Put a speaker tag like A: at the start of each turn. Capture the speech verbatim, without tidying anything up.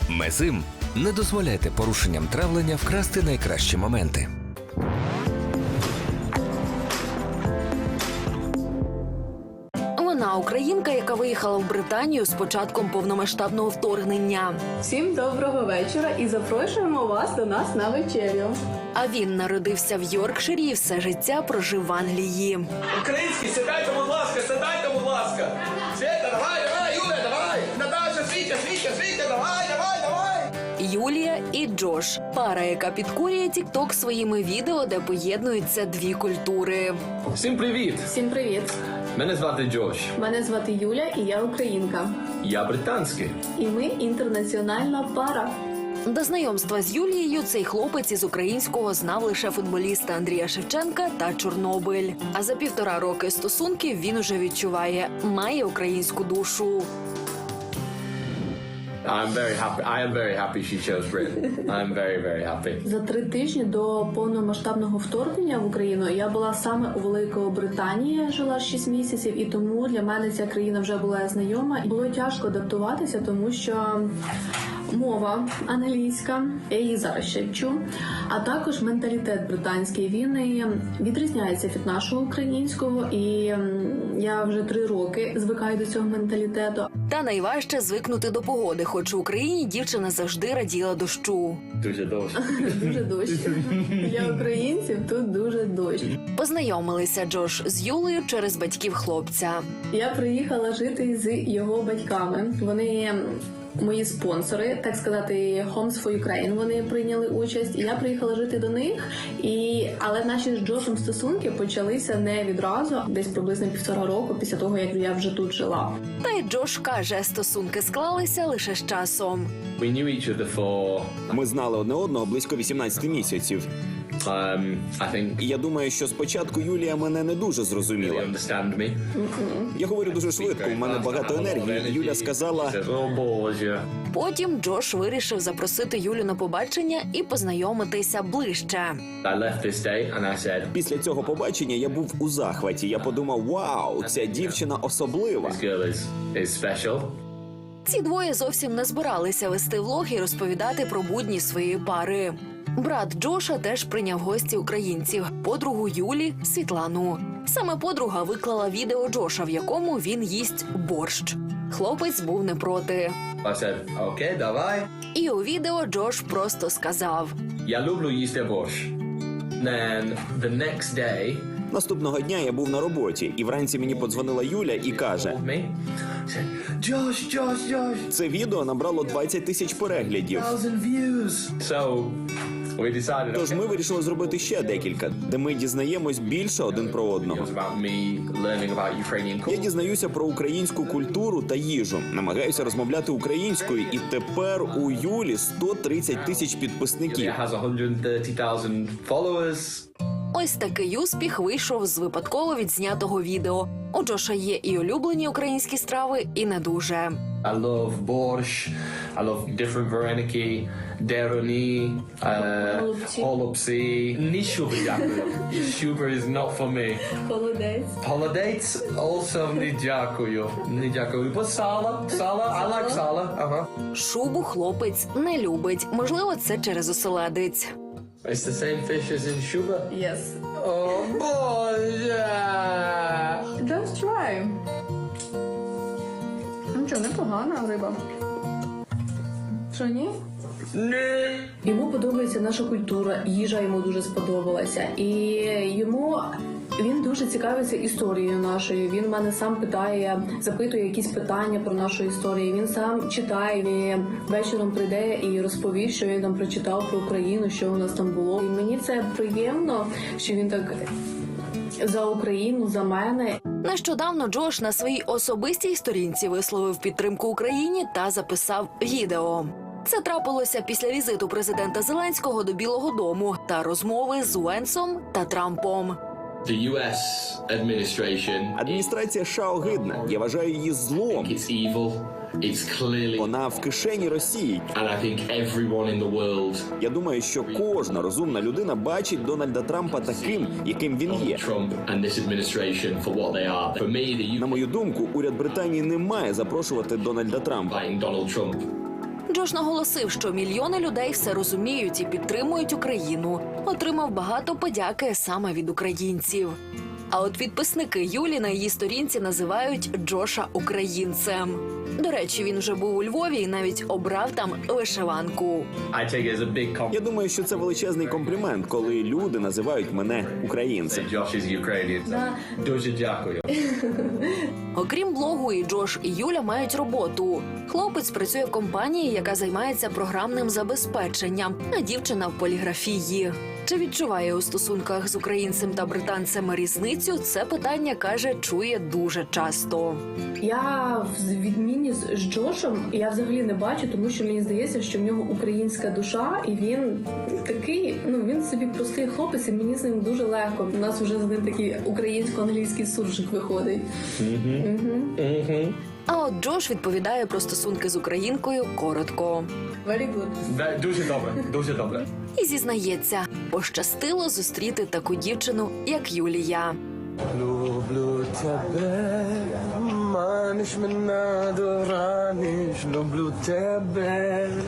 A: Мезим. Не дозволяйте порушенням травлення вкрасти найкращі моменти.
B: Вона українка, яка виїхала в Британію з початком повномасштабного вторгнення.
C: Всім доброго вечора і запрошуємо вас до нас на вечерю.
B: А він народився в Йоркширі і все життя прожив в Англії.
D: Українські, сідайте, будь ласка, сідайте, будь ласка. Света, давай, давай, Юля, давай. Наташа, Світя, Світя, Світя, давай, давай, давай.
B: Юлія і Джош – пара, яка підкорює тік-ток своїми відео, де поєднуються дві культури.
D: Всім привіт.
C: Всім привіт!
D: Мене звати Джош.
C: Мене звати Юля і я українка.
D: Я британський.
C: І ми інтернаціональна пара.
B: До знайомства з Юлією цей хлопець із українського знав лише футболіста Андрія Шевченка та Чорнобиль. А за півтора роки стосунків він уже відчуває – має українську душу.
D: I'm very happy. I am very happy she chose Britain. I'm very, very happy.
C: За три тижні до повномасштабного вторгнення в Україну я була саме у Великобританії, жила шість місяців, і тому для мене ця країна вже була знайома. Було тяжко адаптуватися, тому що мова англійська, я її зараз ще вчу, а також менталітет британський, він відрізняється від нашого українського, і я вже три роки звикаю до цього менталітету.
B: Та найважче звикнути до погоди, хоч у Україні дівчина завжди раділа дощу.
D: Дуже дощ.
C: Дуже дощ. Для українців тут дуже дощ.
B: Познайомилися Джош з Юлею через батьків хлопця.
C: Я приїхала жити з його батьками. Вони мої спонсори, так сказати, Homes for Ukraine, вони прийняли участь. І я приїхала жити до них, і але наші з Джошем стосунки почалися не відразу, десь приблизно півтора року після того, як я вже тут жила.
B: Та й Джош каже, стосунки склалися лише з часом.
D: We knew each other for,
E: Ми знали одне одного близько вісімнадцять місяців.
D: um, I think,
E: І я думаю, що спочатку Юлія мене не дуже
D: really
E: зрозуміла.
D: understand me.
E: Я говорю дуже швидко, у мене багато енергії. Юля сказала,
D: She says, oh, Боже.
B: Потім Джош вирішив запросити Юлю на побачення і познайомитися ближче.
D: I left this day and I said,
E: після цього побачення я був у захваті. Я подумав, вау, ця дівчина особлива.
D: this girl is, is special.
B: Ці двоє зовсім не збиралися вести влог і розповідати про будні своєї пари. Брат Джоша теж прийняв гості українців – подругу Юлі – Світлану. Саме подруга виклала відео Джоша, в якому він їсть борщ. Хлопець був не проти.
D: I said, okay, давай.
B: І у відео Джош просто сказав:
D: Я люблю їсти борщ. Then the next day,
E: Наступного дня я був на роботі, і вранці мені подзвонила Юля і каже,
D: me, said, Josh, Josh, Josh,
E: це відео набрало двадцять тисяч переглядів.
D: thousand views. So we decided.
E: Тож
D: okay,
E: ми вирішили зробити ще декілька, де ми дізнаємось більше один про
D: It
E: одного.
D: was about me learning about Ukrainian
E: Я
D: culture.
E: дізнаюся про українську культуру та їжу, намагаюся розмовляти українською, і тепер у Юлі сто тридцять тисяч підписників.
D: It has one hundred thirty thousand followers.
B: ось такий успіх вийшов з випадково відзнятого відео. У Джоша є і улюблені українські страви, і не дуже.
D: I love borscht. I love different vareniki, deroni, uh,
C: Голубці.
D: holubці. Ні шуби, дякую. Шуби is not for me.
C: Холодець.
D: Холодець also не дякую. Не дякую. But сала, сала, I like сала. Ага.
B: Шубу хлопець не любить. Можливо, це через оселедець.
D: It's the same fish as in shuba.
C: Yes.
D: О, Боже!
C: Just try. Ну що, непогана риба. Що, ні?
D: Ні!
C: Йому подобається наша культура, їжа йому дуже сподобалася. І йому він дуже цікавиться історією нашою. Він мене сам питає, запитує якісь питання про нашу історію. Він сам читає, він вечором прийде і розповість, що він там прочитав про Україну, що у нас там було. І мені це приємно, що він так за Україну, за мене.
B: Нещодавно Джош на своїй особистій сторінці висловив підтримку Україні та записав відео. Це трапилося після візиту президента Зеленського до Білого дому та розмови з Уенсом та Трампом.
D: The ю ес administration,
E: Адміністрація США огидна. Я вважаю її злом.
D: it's evil. It's clearly,
E: Вона в кишені Росії.
D: and I think everyone in the world,
E: Я думаю, що кожна розумна людина бачить Дональда Трампа таким, яким він є.
D: Trump and this administration for what they are. For me, the
E: На
D: U K
E: мою думку, уряд Британії не має запрошувати Дональда Трампа.
D: fighting Donald Trump.
B: Джош наголосив, що мільйони людей все розуміють і підтримують Україну. Отримав багато подяки саме від українців. А от підписники Юлі на її сторінці називають Джоша українцем. До речі, він вже був у Львові і навіть обрав там вишиванку.
D: I take it as a big compliment.
E: Я думаю, що це величезний комплімент, коли люди називають мене українцем.
D: Josh is Ukrainian. Дуже дякую.
B: Окрім блогу, і Джош, і Юля мають роботу. Хлопець працює в компанії, яка займається програмним забезпеченням, а дівчина в поліграфії. Чи відчуває у стосунках з українцем та британцем різницю? Це питання, каже, чує дуже часто.
C: Я в відміні з Джошем я взагалі не бачу, тому що мені здається, що в нього українська душа, і він такий, ну він собі простий хлопець, і мені з ним дуже легко. У нас вже з ним такий українсько-англійський суржик виходить.
B: А от Джош відповідає про стосунки з українкою коротко.
C: Very good.
D: Дуже добре, дуже добре.
B: І зізнається, пощастило зустріти таку дівчину, як Юлія.
F: Люблю тебе, маниш мене до раниш, люблю тебе.